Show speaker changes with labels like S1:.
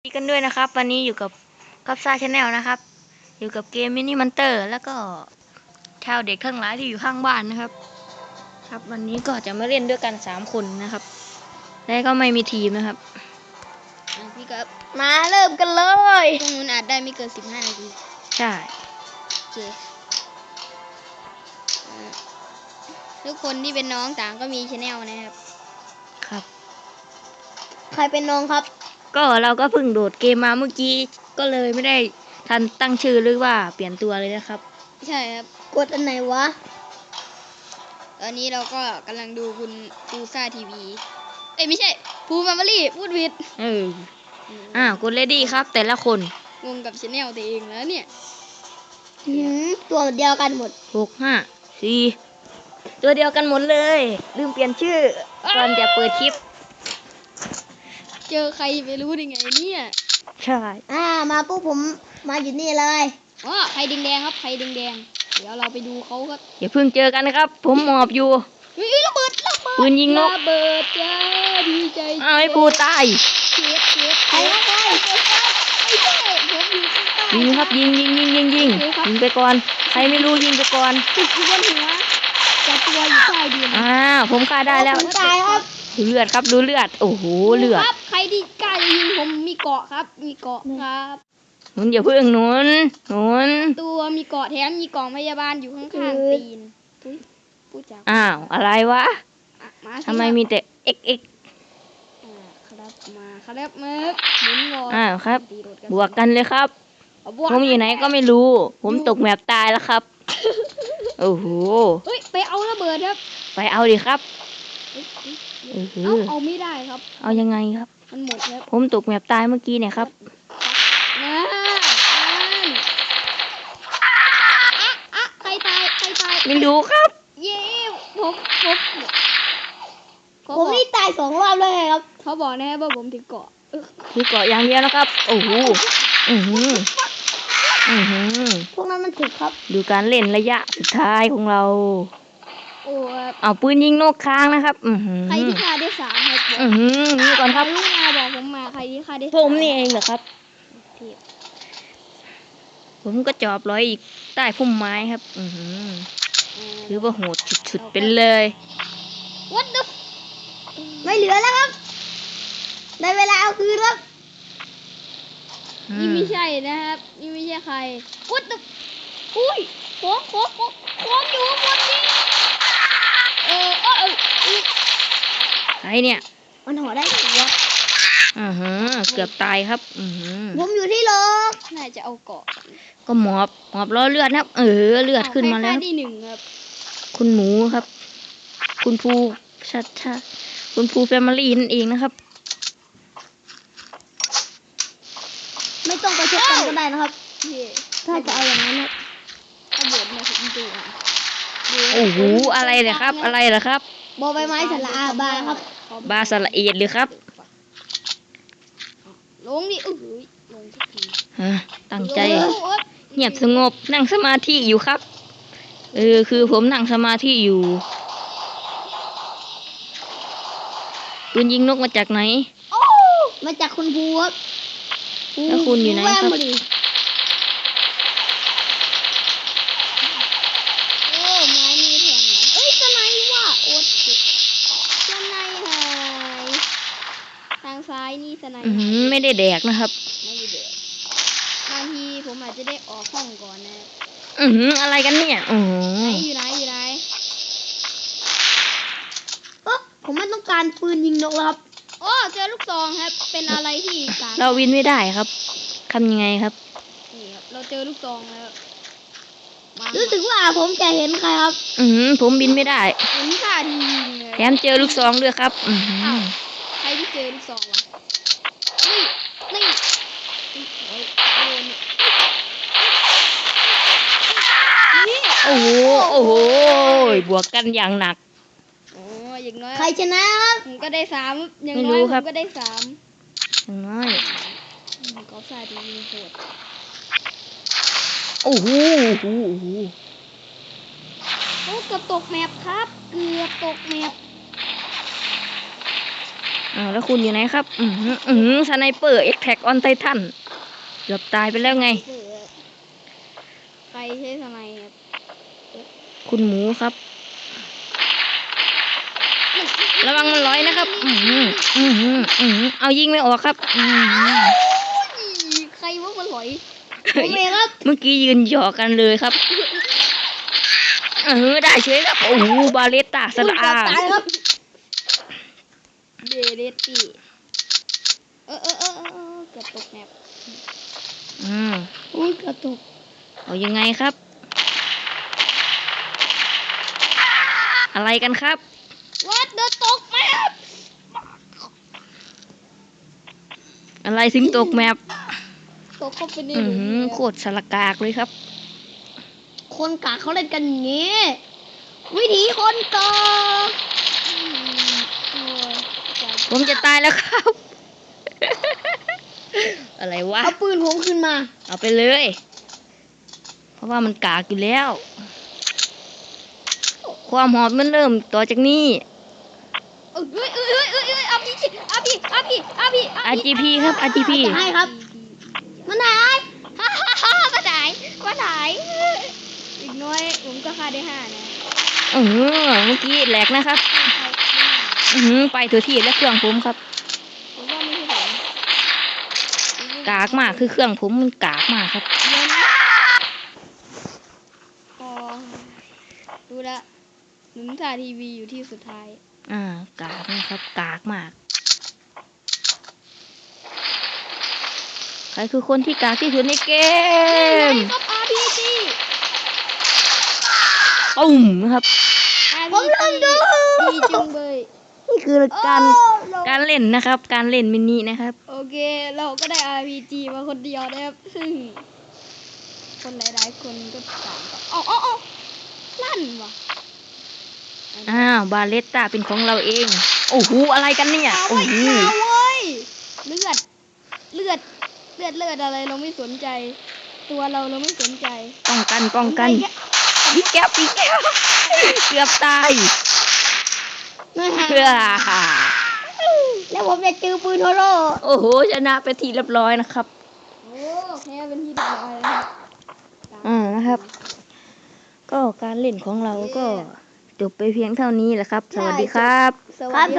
S1: ดีกันด้วยนะครับวันนี้อยู่กับซ่าชาแนลนะครับอยู่กับเกมมินิมันเตอร์แล้วก็ชาวเด็กทั้งหลายที่อยู่ข้างบ้านนะครับครับวันนี้ก็จะมาเล่นด้วยกัน3 คนนะครับและก็ไม่มีทีมนะครับ
S2: พี่ก็มาเริ่มกันเลยตรงนู้นอาจได้ไม่เกิน15 นาที
S1: ใช่
S2: โอเคทุกคนที่เป็นน้องต่างก็มีชาแนลนะครับ
S1: ครับ
S2: ใครเป็นน้องครับ
S1: ก็เราก็เพิ่งโดดเกมมาเมื่อกี้ก็เลยไม่ได้ทันตั้งชื่อหรือว่าเปลี่ยนตัวเลยนะครับ
S2: ใช่ครับกดอันไหนวะตอนนี้เราก็กำลังดูคุณปูซ่าทีวีไม่ใช่ภูแฟมิลี่พูดผิด
S1: กดเลดี้ครับแต่ละคน
S2: งงกับชาแนลตัวเองแล้วเนี่ยตัวเดียวกันหมด
S1: 6 5 4ตัวเดียวกันหมดเลยลืมเปลี่ยนชื่อก่อนจะเปิดคลิป
S2: เจอใครไม่รู้ได้ไงเนี่ย
S1: ใช่
S2: มาปุ๊บผมมาอยู่นี่เลยใครแดงๆครับใครแดงๆเดี๋ยวเราไปดูเขาครับ
S1: อย่าเพิ่งเจอกันนะครับผมหมอบอยู่
S2: ระเบิด
S1: ปืนยิงนก
S2: ระเบิดจ้าดีใจ
S1: ไอ้ปูตาย
S2: ใครไม่ใช่ผมอยู่ข้างใต้
S1: ยิงครับยิงไปก่อนใครไม่รู้ยิงไปก่อน
S2: ติดอยู่บนหัวจะตัวอยู่ใต้ดิน
S1: ผมฆ่าได้แล้ว
S2: ผมตายครับ
S1: ดูเลือดครับดูเลือดโอ้โหเลือด
S2: ครับใครที่กล้ายิงผมมีเกาะครับมีเกาะครับ
S1: หนุนอย่าเพิ่งหนุน
S2: ตัวมีเกาะแถมมีกล่องพยาบาลอยู่ข้างๆตีนพูดจาก
S1: อะไรวะทำไมมีแต่ XX
S2: ครับมาครับมึกหมุนงอ
S1: ครับบวกกันเลยครับผมอยู่ไหนก็ไม่รู้ผมตกแมปตายแล้วครับโอ้โห
S2: ไปเอาระเบิดครับ
S1: ไปเอาดิครับ
S2: เอาไม่ได้ครับ
S1: เอายังไงครับ
S2: มันหมดแล้ว
S1: ผมตกแมปตายเมื่อกี้เนี่ยครับ
S2: ใครตาย
S1: ไม่รู้ครับ
S2: เย้ผมนี่ตาย2 รอบเลยครับเขาบอกนะครับว่าผมถือเกาะ
S1: อย่างเดียวนะครับโอ้โห
S2: พวกนั้นมันถึกครับ
S1: ดูการเล่นระยะสุดท้ายของเราเอาปืนยิงนกค้างนะครับ
S2: ใครที่ฆ่าได้3ครับ
S1: นี่ก่อนครับ
S2: ลูกมาบอกผมมาใครที่ฆ่าได้
S1: ผมนี่เองเหรอครับผมก็จอบร้อยอีกใต้พุ่มไม้ครับถือว่าโหดสุดๆเป็นเลย
S2: What the ไม่เหลือแล้วครับได้เวลาเอาคืนครับนี่ไม่ใช่นะครับนี่ไม่ใช่ใคร What the อุ้ยโค้งอยู่บนนี้
S1: ใครเนี่ย
S2: มันห่อได้ตัว
S1: เกือบตายครับ
S2: ผมอยู่ที่รถน่าจะเอาเกาะ
S1: ก็หมอบล้อเลือดครับเลือดขึ้นมาแล้ว
S2: ที่1ครับ
S1: คุณหมูครับคุณภูคุณภูแฟมิลี่นั่นเองนะครับ
S2: ไม่ต้องไปเช็คกันก็ได้นะครับถ้าจะเอาอย่างนั้นนะถ้าบดมาถึงตัว
S1: โอ้โหอะไรเหรอครับ
S2: บอใบไม้สละบาครับ
S1: บาสละเอียดหรือครับ
S2: ลงดิลงทุกที
S1: ตั้งใจเงียบสงบนั่งสมาธิอยู่ครับคือผมนั่งสมาธิอยู่ปืนยิงนกมาจากไหน
S2: มาจากคุณภูครับ
S1: แล้วคุณอยู่ไหนครับ
S2: ไม้มีแทงเหรอสไนว่ะสไนหายทางซ้ายนี่สไน
S1: ไม่ได้แดกนะครับ
S2: ไม่ได้แดกบางทีผมอาจจะได้ออกห้องก่อนนะ
S1: อะไรกันเนี่ย
S2: อยู่ไหนผมไม่ต้องการปืนยิงนกแล้วครับเจอลูกซองครับเป็นอะไรที่
S1: เราวินไม่ได้ครับทำยังไงครับ
S2: นี่ครับเราเจอลูกซองแล้วรู้สึกว่าผมจะเห็นใครครับ
S1: ผมบินไม่ได้
S2: ผมฆ่าทียิง
S1: แถมเจอลูกซองด้วยครับ
S2: ใครที่เจอลูกซองวะนี่
S1: โอ้โหบวกกันอย่างหนัก
S2: อย่างน้อยใครชนะครับผมก็ได้3อย่างน้อยผมก็ได้3
S1: อย่างน้อย
S2: ก็ใส่ดีโหด
S1: โอ้โห
S2: เกือบตกแมปครับเกือบตกแมป
S1: แล้วคุณอยู่ไหนครับสไนเปอร์เอ็กแท็กออนไททันเกือบตายไปแล้วไง
S2: ใครใช้สไนครับ
S1: คุณหมูครับ ระวังมันลอยนะครับเอายิงไม่ออกครับ
S2: ใครว่ามันหลอยผมเองครับ
S1: เมื่อกี้ยืนหยอกกันเลยครับได้เฉยครับโอ้โหบาเลตตาสลา
S2: ตายครับเดเรตตี้เกือบตกแมปเกือบตก
S1: เอายังไงครับ อะไรกันครับ
S2: วัดเดินตกแมป
S1: อะไรถึงตกแมป
S2: ตกเข้าไปใน
S1: โคตรสลกากเลยครับ
S2: คนกากเขาเล่นกันอย่างนี้ วิธีคนกาก
S1: ผมจะตายแล้วครับ อะไรวะ
S2: เอาปืนผมขึ้นมา
S1: เอาไปเลย เพราะว่ามันกากอยู่แล้ว ความหอมมันเริ่มต่อจากนี้ RGP ครับ RGP
S2: ให้ครับมันหายมันหายอีกน้อยผมก็ฆ่าได้5นะ
S1: เมื่อกี้แหลกนะครับ ไปตัวที่และเครื่องผมครับ
S2: ผมว่าไม่ใช่ผม
S1: กากมากคือเครื่องผมมันกากมากครับ
S2: เดี๋ยวนะดูละหนุ่มถ่ายทีวีอยู่ที่สุดท้าย
S1: กากนะครับ กากมาก ใครคือคนที่กากที่สุดในเกม
S2: ครับ RPG
S1: ตุ่มนะครับ
S2: ผมลืมดูดีจังเลย
S1: นี่คือการเล่นนะครับ การเล่นมินินะครับ
S2: โอเค เราก็ได้ RPG มาคนเดียวนะครับซึ่งคนหลายๆคนก็ต่างกันลั่นว่ะ
S1: บาเลตตาเป็นของเราเอง โอ้โห อะไรกันเนี่ย โอ้โห
S2: เว้ยเลือดอะไรเราไม่สนใจ ตัวเราไม่สนใจ
S1: ป้องกันปีแก้วเกือบตายเพื่อ
S2: แล้วผมจะจือปืนโทโร่
S1: โอ้โห ชนะไปทีเรียบร้อยนะครับ
S2: โอ้แพ้เป็นที่เรียบร้อยแล้วครับ
S1: นะครับ ก็การเล่นของเราก็จบไปเพียงเท่านี้แหละครับ สวัสดีครับ
S2: สวัสดี